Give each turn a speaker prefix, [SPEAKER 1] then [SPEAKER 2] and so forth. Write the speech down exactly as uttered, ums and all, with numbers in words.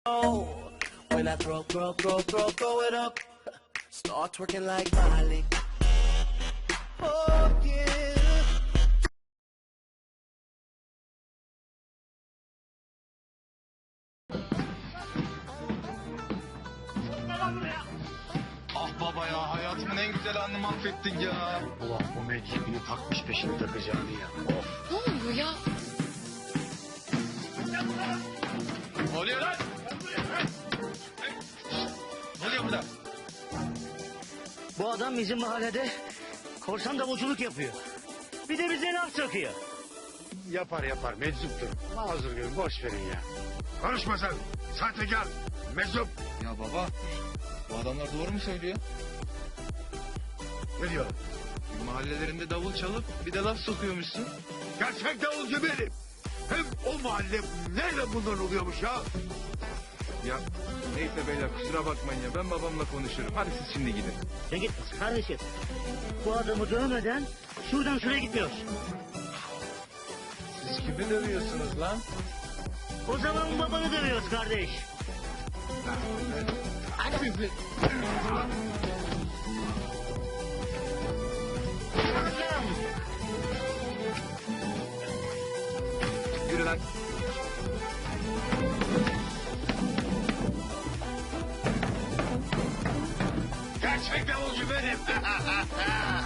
[SPEAKER 1] Oh, when I throw, throw, throw, throw, throw it up, start twerking like Miley. Oh yeah.
[SPEAKER 2] Ah baba ya, hayatımın en güzel anını mahvettin ya.
[SPEAKER 3] Ulan bu mecbini takmış peşini takacağını ya. Of.
[SPEAKER 4] Ne oluyor ya?
[SPEAKER 2] Ne oluyor lan? Ne oluyor burada?
[SPEAKER 3] Bu adam bizim mahallede korsan davulculuk yapıyor. Bir de bize laf sokuyor.
[SPEAKER 5] Yapar yapar meczuptur. Mazur görün boş verin ya. Konuşma sen. Sahtekar. Meczup.
[SPEAKER 2] Ya baba, bu adamlar doğru mu söylüyor?
[SPEAKER 5] Ne diyor?
[SPEAKER 2] Mahallelerinde davul çalıp bir de laf sokuyormuşsun.
[SPEAKER 5] Gerçek davulcu benim. Hem o mahalle nerede bunlar oluyormuş ya?
[SPEAKER 2] Ya neyse beyler, kusura bakmayın ya, ben babamla konuşurum. Hadi siz şimdi gidin.
[SPEAKER 3] Sen git kardeşim. Bu adamı dövmeden şuradan şuraya gitmiyoruz.
[SPEAKER 2] Siz kimi dövüyorsunuz lan?
[SPEAKER 3] O zaman babanı dövüyoruz kardeş.
[SPEAKER 2] Sizi. Yürü lan.
[SPEAKER 5] Gerçek davulcu benim.